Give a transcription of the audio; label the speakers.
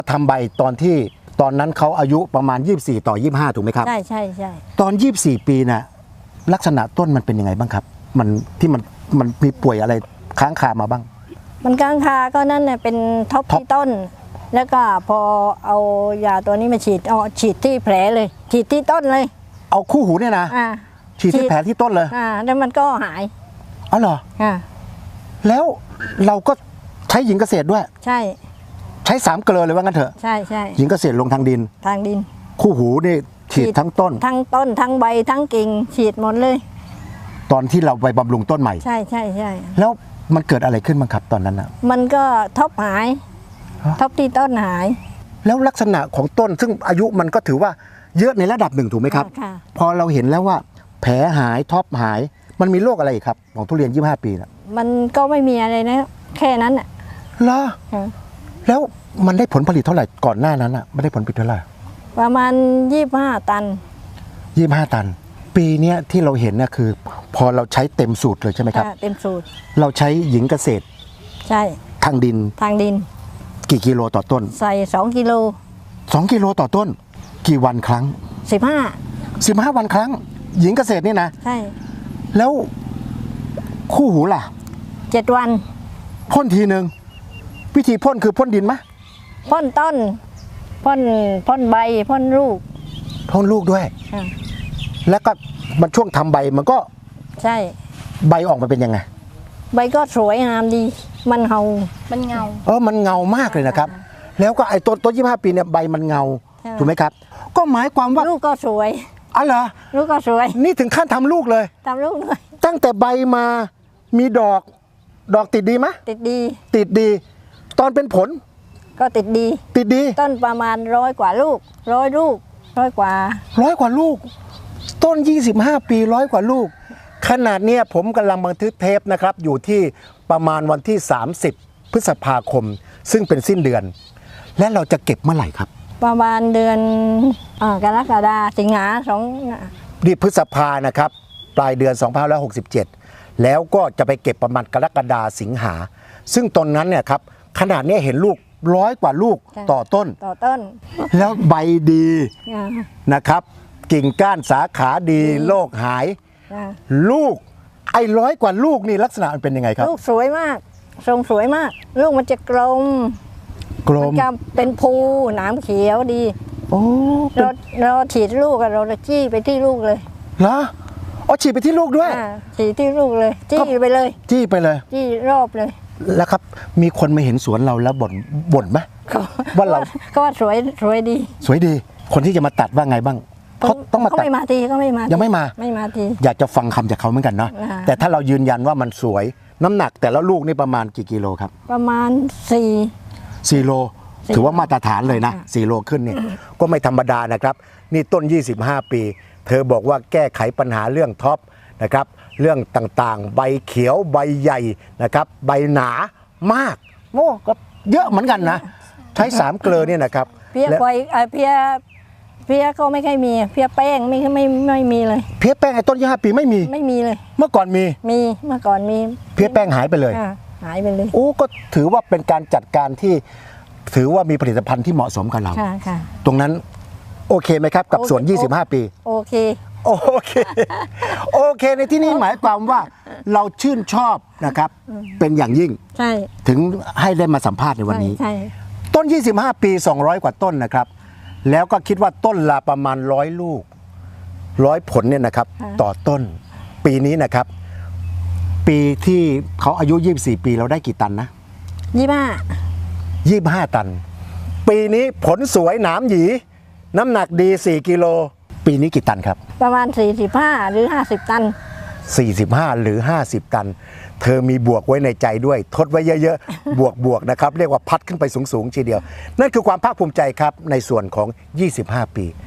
Speaker 1: ทำใบตอนนั้นเขาอายุประมาณ24ต่อ25ถูกไหมครับ
Speaker 2: ใช่ใช่ใช่
Speaker 1: ตอน24ปีน่ะลักษณะต้นมันเป็นยังไงบ้างครับมันมีป่วยอะไรค้างคามาบ้าง
Speaker 2: มันค้างคาก็นั่นเนี่ยเป็นท็อปที่ต้นแล้วก็พอเอายาตัวนี้มาฉีดที่แผลเลยฉีดที่ต้นเลย
Speaker 1: เอาคู่หูเนี่ยนะฉีดที่แผลที่ต้นเลย
Speaker 2: แล้วมันก็หาย
Speaker 1: อ๋อเหรอแล้วเราก็ใช้หญิงเกษตรด้วย
Speaker 2: ใช่
Speaker 1: ใช้3 เกลือเลยว่างั้นเถอะ
Speaker 2: ใช่ใช่
Speaker 1: หญิงเกษตรลงทางดินคู่หูนี่ฉีดทั้งต้น
Speaker 2: ทั้งใบทั้งกิ่งฉีดหมดเลย
Speaker 1: ตอนที่เราไปบำรุงต้นใหม่
Speaker 2: ใช่ใช่ใช่
Speaker 1: แล้วมันเกิดอะไรขึ้นบ้างครับตอนนั้นนะ
Speaker 2: มันก็ท็อปหายท็อปที่ต้นหาย
Speaker 1: แล้วลักษณะของต้นซึ่งอายุมันก็ถือว่าเยอะในระดับหนึ่งถูกไหมครับพอเราเห็นแล้วว่าแผลหายท็อปหายมันมีโรคอะไรอีกครับของทุเรียน25ปีนะ
Speaker 2: มันก็ไม่มีอะไรนะแค่นั้นอ่ะ
Speaker 1: เหรอแล้วมันได้ผลผลิตเท่าไหร่ก่อนหน้านั้นอ่ะไม่ได้ผลผลิตเท่าไหร่
Speaker 2: ประมาณ25 ตัน
Speaker 1: 25 ตันปีนี้ที่เราเห็นเนี่ยคือพอเราใช้เต็มสูตรเลยใช่ไหมครับ
Speaker 2: เต็มสูตร
Speaker 1: เราใช้หญิงเกษตร
Speaker 2: ใช่
Speaker 1: ทางดินกี่กิโลต่อต้น
Speaker 2: ใส่2 กิโล
Speaker 1: 2 กิโลต่อต้นกี่วันครั้ง15 วันครั้งหญิงเกษตรนี่นะ
Speaker 2: ใช่
Speaker 1: แล้วคู่หูล่ะ
Speaker 2: 7 วัน
Speaker 1: พ่นทีนึงวิธีพ่นคือพ่นดินไหม
Speaker 2: พ่นต้นพ่นใบพ่นลูก
Speaker 1: ด้วยแล้วก็มันช่วงทำใบมันก็
Speaker 2: ใช่
Speaker 1: ใบออกมาเป็นยังไง
Speaker 2: ใบก็สวยงามดีมันเงา
Speaker 1: มันเงามากเลยนะครับแล้วก็ไอ้ต้น25 ปีเนี่ยใบมันเงาถูกไหมครับก็หมายความว่า
Speaker 2: ลูกก็สวย
Speaker 1: อ๋อเหรอ
Speaker 2: ลูกก็สวย
Speaker 1: นี่ถึงขั้นทำลูกเลยตั้งแต่ใบมามีดอกติดดีไหม
Speaker 2: ติดดี
Speaker 1: ตอนเป็นผล
Speaker 2: ก็ติดดีต้นประมาณ100 กว่าลูก100 กว่า
Speaker 1: ลูกต้น25 ปี100 กว่าลูกขนาดเนี้ยผมกำลังบันทึกเทปนะครับอยู่ที่ประมาณวันที่30 พฤษภาคมซึ่งเป็นสิ้นเดือนและเราจะเก็บเมื่อไหร่ครับ
Speaker 2: ประมาณเดือนกรกฎาคมสิงหา
Speaker 1: นี่พฤษภานะครับปลายเดือน2567แล้วก็จะไปเก็บประมาณกรกฎาสิงหาซึ่งตอนนั้นเนี่ยครับขนาดนี้เห็นลูก100 กว่าลูกต่อต้นแล้วใบดีนะครับกิ่งก้านสาขาดีโรคหายลูกไอ้100 กว่าลูกนี่ลักษณะมันเป็นยังไงครับ
Speaker 2: ลูกสวยมากทรงสวยมากลูกมันจะกลมมันจะเป็นภูหนามเขียวดีเราฉีดลูกเราจี้ไปที่ลูกเลย
Speaker 1: เหรอฉีดไปที่ลูกด้วย
Speaker 2: ฉีดที่ลูกเลยจี้ไปเลย
Speaker 1: จี้
Speaker 2: รอบเลย
Speaker 1: แล้วครับมีคนมาเห็นสวนเราแล้วบ่นไหมว่าเรา
Speaker 2: ก็ว่าสวย
Speaker 1: ดีคนที่จะมาตัดว่าไงบ้างเขาต้องมาตัด
Speaker 2: ไม่มาที
Speaker 1: ยังไม่มา
Speaker 2: ที
Speaker 1: อยากจะฟังคำจากเขาเหมือนกันเนาะแต่ถ้าเรายืนยันว่ามันสวยน้ำหนักแต่ละลูกนี่ประมาณกี่กิโลครับ
Speaker 2: ประมาณ4
Speaker 1: โลถือว่ามาตรฐานเลยนะ4 โลขึ้นนี่ก็ไม่ธรรมดานะครับนี่ต้น25 ปีเธอบอกว่าแก้ไขปัญหาเรื่องท็อปนะครับเรื่องต่างๆใบเขียวใบใหญ่นะครับใบหนามากก็เยอะเหมือนกันนะใช้3 เกลือเนี่ยนะครับ
Speaker 2: เพี้ยไฟเพี้ยก็ไม่ค่อยมีเพี้ยแป้งไม่มีเลย
Speaker 1: เพี้ยแป้งไอ้ต้น25 ปีไม่มี
Speaker 2: เลย
Speaker 1: เมื่อก่อนมี
Speaker 2: เมื่อก่อนมี
Speaker 1: เพี้ยแป้งหายไปเลยก็ถือว่าเป็นการจัดการที่ถือว่ามีผลิตภัณฑ์ที่เหมาะสมกับเราตรงนั้นโอเคไหมครับกับสวน25 ปี
Speaker 2: โอ
Speaker 1: เคในที่นี้หมายความว่าเราชื่นชอบนะครับเป็นอย่างยิ่งถึงให้ได้มาสัมภาษณ์ในวันนี้ต้น25 ปี200 กว่าต้นนะครับแล้วก็คิดว่าต้นละประมาณ100 ลูก100 ผลเนี่ยนะครับต่อต้นปีนี้นะครับปีที่เขาอายุ24 ปีเราได้กี่ตันนะ25 ตันปีนี้ผลสวยหนามหยีน้ำหนักดี4 กิโลปีนี้กี่ตันครับ
Speaker 2: ประมาณ45 หรือ 50 ตัน
Speaker 1: 45 หรือ 50 ตันเธอมีบวกไว้ในใจด้วยทดไว้เยอะๆบวกนะครับเรียกว่าพัดขึ้นไปสูงๆทีเดียวนั่นคือความภาคภูมิใจครับในส่วนของ25 ปี